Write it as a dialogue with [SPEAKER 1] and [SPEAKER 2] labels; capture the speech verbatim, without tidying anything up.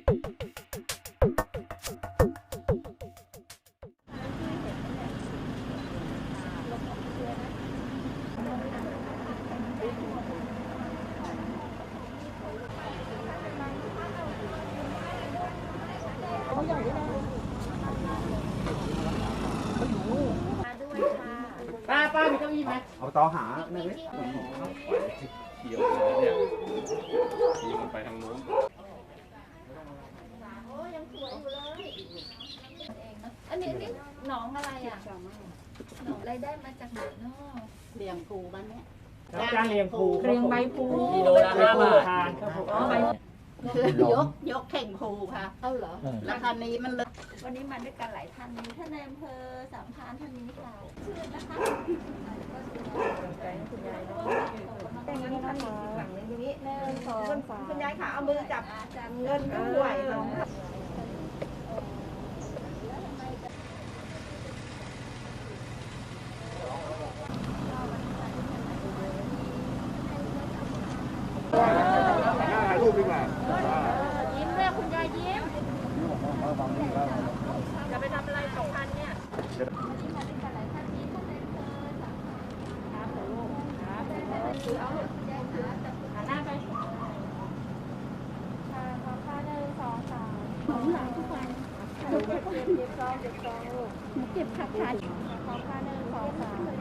[SPEAKER 1] ป้าป้ามีเก้าอี้ไหมเอาต่อหาหนึ่งเขียวเนี่ยขี่มันไปทางโน้น
[SPEAKER 2] โอ้ยังสวยอยู่เลยอันนี้นี่หนองอะไรอ่ะหนองอะไรได้มาจากไหนเนาะเลี้ยงปูบ้านเนี้ย
[SPEAKER 3] จ้างเลี้ยงปู
[SPEAKER 2] เลี้ยงใบปู
[SPEAKER 3] กิโลละห้าบาททานครับผม
[SPEAKER 2] คือยกยกเข่งปูค่ะเอาเหรอแล้วคันนี้มันเลยวันนี้มาด้วยกันหลายท่านมีท่านในอำเภอสามพรานท่านนี้ค่ะชื่อนะคะคุณยายเนาะเป็นเงินท่านอีกฝั่งนึงตรงนี้หนึ่งสองคุณยายค่ะเอามือจับเงินด้วยเนาะ
[SPEAKER 1] ถ่ายรูปดีกว่า
[SPEAKER 2] ยิ้มเลยคุณยายยิ้มจะไปทำอะไรสองพันเนี่ยยิ้มมาด้วยกันหลายท่านยิ้มท่านในอำเภอสามพันครับลูกครับถือเอาคุณยายถือหันหน้าไปค่ะขอค่าหนึ่งสองสามผมหลังทุกวันเก็บเก็บเก็บซองเก็บซองลูกเก็บขัดขัดขอค่าหนึ่งสองสาม